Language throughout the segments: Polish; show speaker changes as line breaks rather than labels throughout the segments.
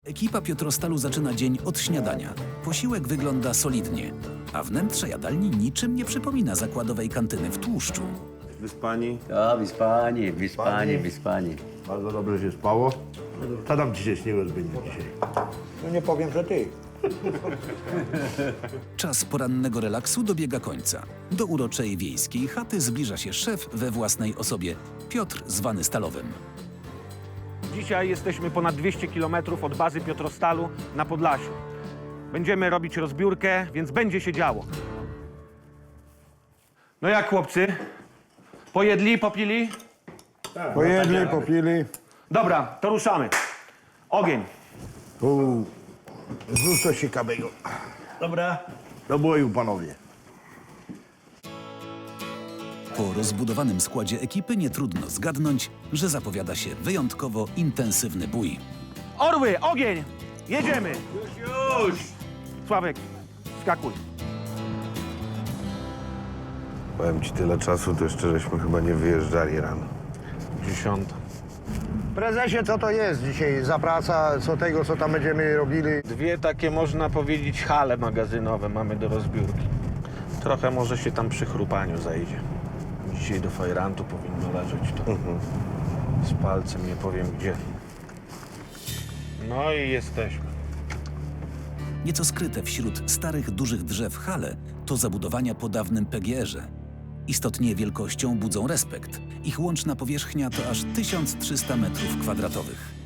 Ekipa Piotrostalu zaczyna dzień od śniadania. Posiłek wygląda solidnie, a wnętrze jadalni niczym nie przypomina zakładowej kantyny w tłuszczu.
Wyspani?
Ja, wyspani.
Bardzo dobrze się spało. Co tam ci się śniło zbytnio dzisiaj?
No nie powiem, że ty.
Czas porannego relaksu dobiega końca. Do uroczej wiejskiej chaty zbliża się szef we własnej osobie, Piotr zwany Stalowym.
Dzisiaj jesteśmy ponad 200 km od bazy Piotrostalu na Podlasiu. Będziemy robić rozbiórkę, więc będzie się działo. No jak, chłopcy? Pojedli, popili?
Pojedli, popili.
Dobra, to ruszamy. Ogień.
Zrób coś ciekawego. Dobra. Do boju, panowie.
Po rozbudowanym składzie ekipy nie trudno zgadnąć, że zapowiada się wyjątkowo intensywny bój.
Orły, ogień! Jedziemy! Już! Sławek, skakuj.
Powiem ci, tyle czasu, to jeszcze żeśmy chyba nie wyjeżdżali rano.
10.
Prezesie, co to jest dzisiaj za praca, co tego, co tam będziemy robili?
Dwie takie, można powiedzieć, hale magazynowe mamy do rozbiórki. Trochę może się tam przy chrupaniu zajdzie. Dzisiaj do fajrantu powinno leżeć to. Z palcem nie powiem gdzie. No i jesteśmy.
Nieco skryte wśród starych, dużych drzew hale to zabudowania po dawnym PGR-ze. Istotnie wielkością budzą respekt. Ich łączna powierzchnia to aż 1300 m².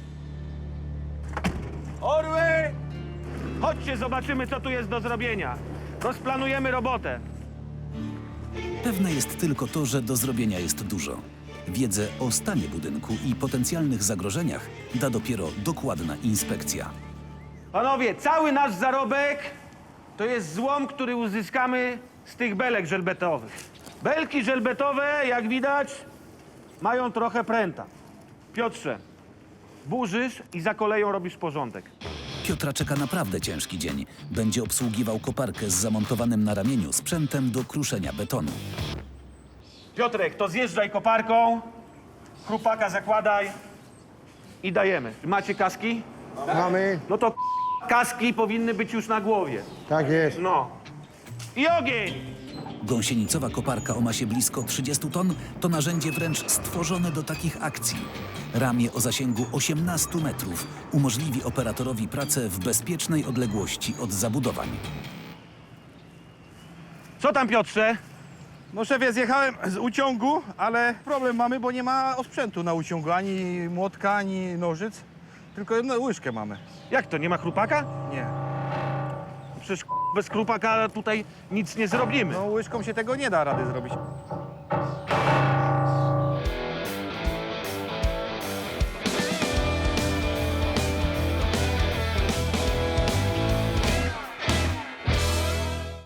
Orły! Chodźcie, zobaczymy, co tu jest do zrobienia. Rozplanujemy robotę.
Pewne jest tylko to, że do zrobienia jest dużo. Wiedzę o stanie budynku i potencjalnych zagrożeniach da dopiero dokładna inspekcja.
Panowie, cały nasz zarobek to jest złom, który uzyskamy z tych belek żelbetowych. Belki żelbetowe, jak widać, mają trochę pręta. Piotrze, burzysz i za koleją robisz porządek.
Piotra czeka naprawdę ciężki dzień. Będzie obsługiwał koparkę z zamontowanym na ramieniu sprzętem do kruszenia betonu.
Piotrek, to zjeżdżaj koparką, chrupaka zakładaj i dajemy. Macie kaski?
Mamy?
No to kaski powinny być już na głowie.
Tak jest.
No. I ogień!
Gąsienicowa koparka o masie blisko 30 ton to narzędzie wręcz stworzone do takich akcji. Ramię o zasięgu 18 metrów umożliwi operatorowi pracę w bezpiecznej odległości od zabudowań.
Co tam, Piotrze?
No szefie, zjechałem z uciągu, ale problem mamy, bo nie ma osprzętu na uciągu, ani młotka, ani nożyc, tylko jedną łyżkę mamy.
Jak to, nie ma chrupaka?
Nie.
Przecież bez chrupaka tutaj nic nie zrobimy.
No łyżką się tego nie da rady zrobić.